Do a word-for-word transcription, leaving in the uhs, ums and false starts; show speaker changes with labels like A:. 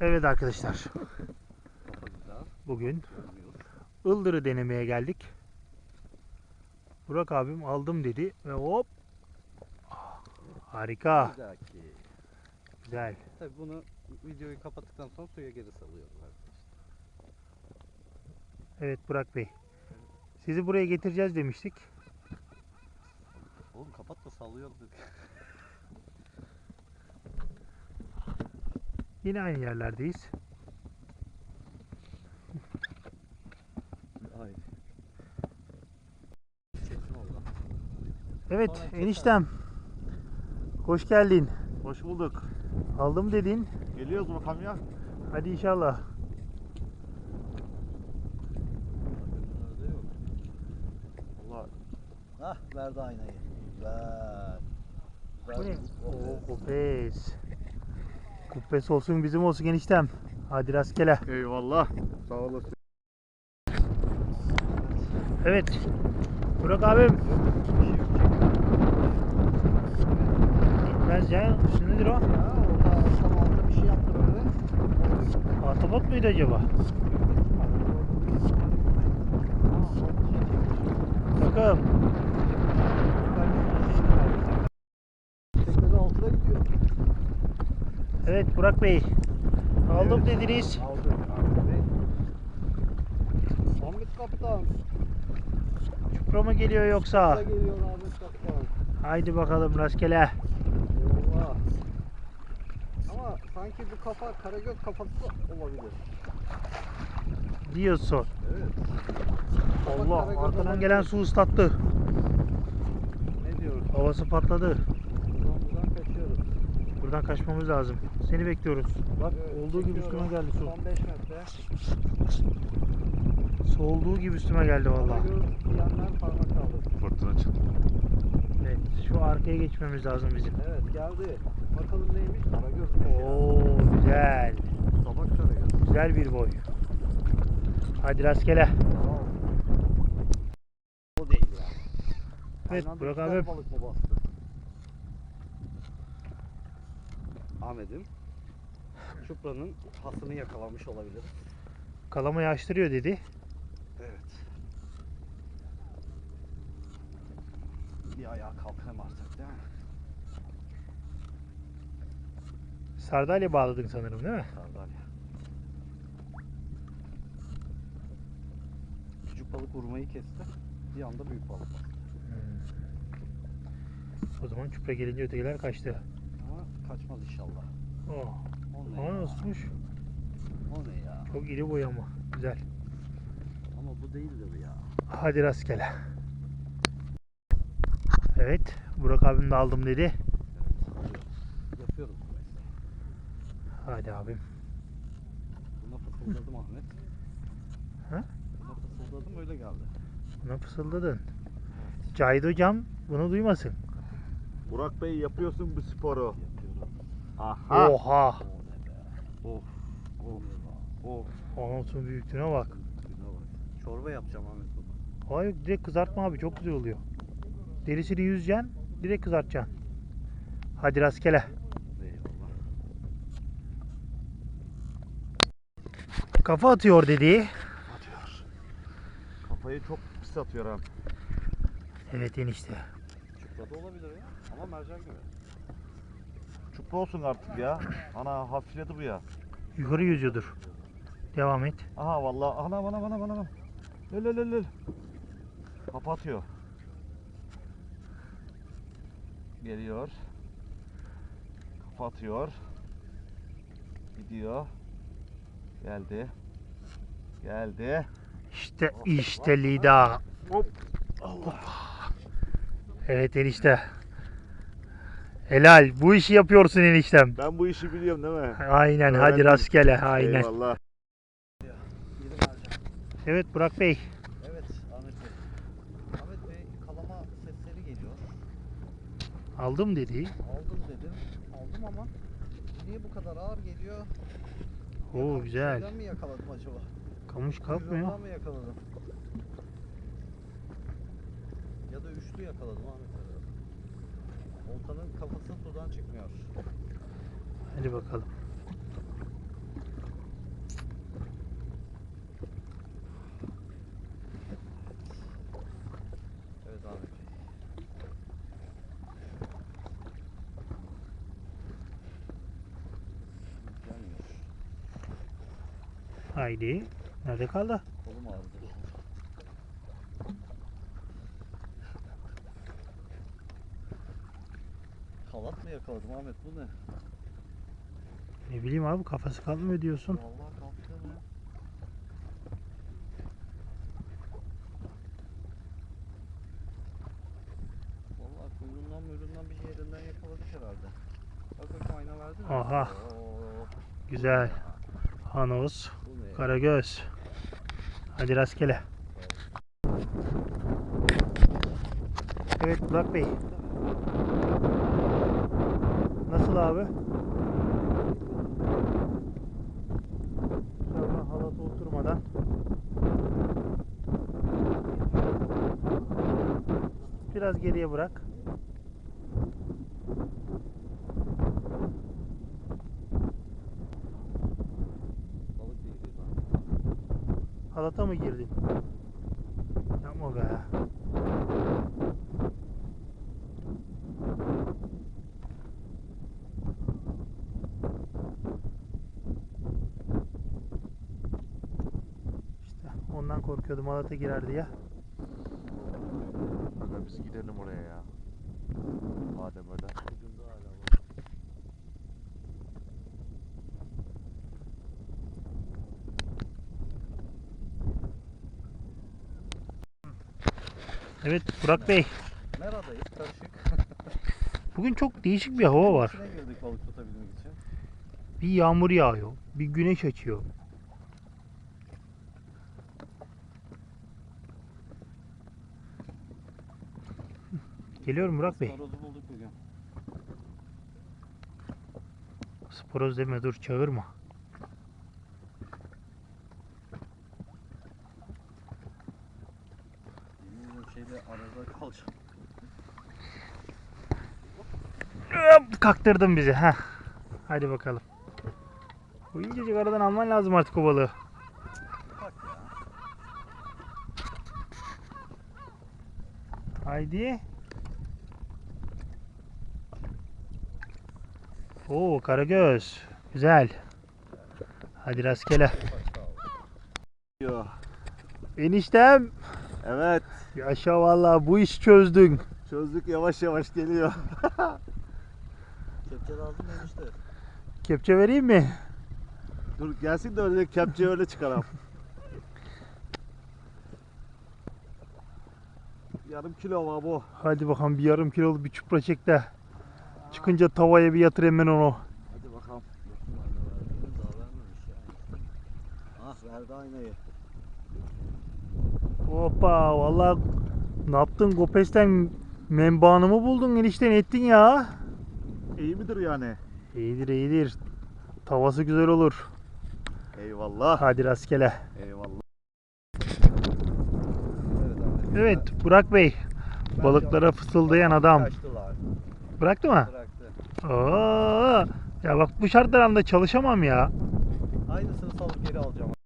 A: Evet arkadaşlar, bugün ıldırı denemeye geldik. Burak abim aldım dedi ve hop, harika, güzel.
B: Tabii bunu videoyu kapattıktan sonra suya geri salıyoruz arkadaşlar.
A: Evet Burak Bey, sizi buraya getireceğiz demiştik.
B: Oğlum kapat da sallıyoruz dedik.
A: Yine aynı yerlerdeyiz.
B: Hayır. Çektim oldu.
A: Evet
B: Sonra
A: eniştem, hoş geldin.
C: Hoş bulduk.
A: Aldım dedin.
C: Geliyoruz bakalım ya.
A: Hadi inşallah.
B: Nerede yok.
C: Allah
B: Hah verdi aynayı. Güzel.
A: Bu ne?
B: Güzel.
A: Oo, kupes. Kupes olsun bizim olsun eniştem. Hadi rastgele.
C: eyvallah. Sağ olasın.
A: Evet. Burak abim. Gitmez ya. Şu nedir o?
B: Ya orada akşam altında bir şey yaptı böyle.
A: Ahtapot muydu acaba? Takım.
B: Teknede altına gidiyor.
A: Evet Burak Bey. Aldım
B: Evet.
A: dediniz.
B: Aldım. Ahmet Kaptan.
A: Çupra mı geliyor yoksa?
B: Burada geliyor Ahmet Kaptan.
A: Haydi bakalım rastgele.
B: Eyvallah. Ama sanki bu kafa karagöz kafası olabilir.
A: Diyorsun.
B: Evet.
A: Allah
B: karagöz
A: arkadan
B: olabilir.
A: gelen su ıslattı.
B: Ne diyoruz?
A: Havası patladı.
B: Buradan buradan kaçıyoruz.
A: Buradan kaçmamız lazım. Seni bekliyoruz. Bak
B: Evet,
A: olduğu gibi
B: çekiyorum.
A: üstüme geldi su.
B: Son beş metre.
A: Su olduğu gibi üstüme geldi vallahi.
B: Karagöz diyenler parmak kaldı.
C: Fırtına çıktı.
A: Evet, şu arkaya geçmemiz lazım bizim.
B: Evet geldi. Bakalım neymiş? Karagöz.
A: Oo güzel.
B: Tabak karagöz.
A: Güzel bir boy. Hadi rastgele.
B: O değil ya.
A: Evet
B: Aynı anda
A: Burak
B: iki tane
A: abi.
B: balık mı bastı? Ahmet'im Çupra'nın hasını yakalamış olabilir.
A: Kalamayı açtırıyor dedi.
B: Evet. Bir ayağa kalkalım artık değil mi?
A: Sardalya bağladın sanırım değil mi?
B: Sardalya. Küçük balık vurmayı kesti. Bir anda büyük balık bastı.
A: O zaman çupra gelince ötekiler kaçtı.
B: Ama kaçmaz inşallah.
A: Oh.
B: O ne
A: Ama
B: ya?
A: nasılmış?
B: O ne ya?
A: Çok iri boy ama. Güzel.
B: Ama bu değildir ya.
A: Hadi rastgele. Evet. Burak abim de aldım dedi.
B: Evet. alıyoruz. Yapıyoruz bu mesleği.
A: Hadi abim.
B: Buna fısıldadım Ahmet.
A: Ha?
B: Buna fısıldadım öyle geldi.
A: Buna fısıldadın. Cahit hocam bunu duymasın.
C: Burak Bey yapıyorsun bu sporu.
B: Yapıyorum.
C: Aha.
A: Oha.
B: O ne be?
C: Of. Of. Of.
A: Anasının büyüklüğüne bak.
B: Güne bak. Çorba yapacağım Ahmet bunu.
A: Hayır direkt kızartma abi çok güzel oluyor. Derisini yüzeceksin direkt kızartacaksın. Hadi rastgele.
B: Eyvallah.
A: Kafa atıyor dedi.
C: Atıyor. Kafayı çok pis atıyor ha.
A: Evet enişte.
B: Çuprada olabilir ya. Ama mercan gibi.
C: Çupra olsun artık ya. Ana hafifledi bu ya.
A: Yukarı yüzüyordur. Devam et.
C: Aha vallahi. Ana bana bana bana bana. Lül lül lül. Kapatıyor. Geliyor. Kapatıyor. Gidiyor. Geldi. Geldi.
A: İşte işte Lida.
C: Hop. Allah.
A: Evet enişte. Helal. Bu işi yapıyorsun eniştem.
C: Ben bu işi biliyorum değil mi?
A: Aynen hadi
C: Öğrendim.
A: rastgele. Aynen.
C: Eyvallah.
B: Biri mercan.
A: Evet Burak Bey.
B: Evet Ahmet Bey. Ahmet Bey kalama sesleri geliyor.
A: Aldım dedi.
B: Aldım dedim. Aldım ama niye bu kadar ağır geliyor?
A: Oo
B: Yakal-
A: güzel.
B: Şeyden mi yakaladım acaba?
A: Kamış kalkmıyor.
B: Kuyruğundan mı yakaladım? Ya da üçlü yakaladım Ahmet Bey. Oltanın kafası sudan çıkmıyor.
A: Hadi bakalım. Haydi. Nerede kaldı?
B: Kolum ağrıdı. Halat mı yakaladım Ahmet, bu ne?
A: Ne bileyim abi, kafası kalkmıyor diyorsun.
B: Vallahi kalktı mı? Vallahi kuyruğundan muyruğundan bir yerinden yakaladık herhalde. Bak bakayım, ayna verdi mi?
A: Aha.
B: Oo,
A: Güzel. Hanoz.
B: bu ne ya?
A: Karagöz. Hadi rastgele. Evet Burak Bey. Nasıl abi? Sonra halata oturmadan. Biraz geriye bırak.
B: Balık değil lan.
A: Halata mı girdin? Yapma be. İşte ondan korkuyordum, halata girer diye.
D: Aga biz gidelim oraya ya. Madem öyle.
B: Ucunda hala var.
A: Evet Burak Bey.
B: Meradayız, karışık.
A: Bugün çok değişik bir hava var.
B: İçine girdik balık tutabilmek için.
A: Bir yağmur yağıyor, bir güneş açıyor. Geliyorum Burak Bey.
B: Horozu bulduk bugün.
A: Sporoz deme, dur çağırma.
B: Yemin ediyorum şeyde arada kalacağım.
A: Hop, kaktırdın bizi. Heh. Hadi bakalım. Bu incecik aradan alman lazım artık o balığı.
B: Bak ya.
A: Haydi. Oo, karagöz. Güzel. Hadi rastgele.
D: Yo.
A: Eniştem.
D: Evet.
A: Yaşa vallahi, bu iş çözdün.
D: Çözdük, yavaş yavaş geliyor.
B: Kepçe lazım mı enişte?
A: Kepçe vereyim mi?
D: Dur gelsin de öyle kepçeyi öyle çıkaralım. Yarım kilo var bu.
A: Hadi bakalım, bir yarım kiloluk bir çupra çek de. Çıkınca tavaya bir yatır hemen onu.
D: Hadi bakalım.
B: Bakın ayna verdiğini daha vermemiş ya. Ah, verdi aynayı.
A: Hoppa, vallahi ne yaptın Gopes'ten, menbaanı mı buldun enişten, ettin ya.
D: İyi midir yani?
A: İyidir iyidir. Tavası güzel olur.
D: Eyvallah.
A: Hadi rastgele.
D: Eyvallah.
B: Evet Ahmet.
A: Evet Burak Bey.
B: Ben-
A: Balıklara fısıldayan adam.
B: Kaçtılar.
A: Bıraktı mı?
B: Bıraktı.
A: Oo, ya bak bu şartlar altında çalışamam ya.
B: Aynısını salıp geri alacağım.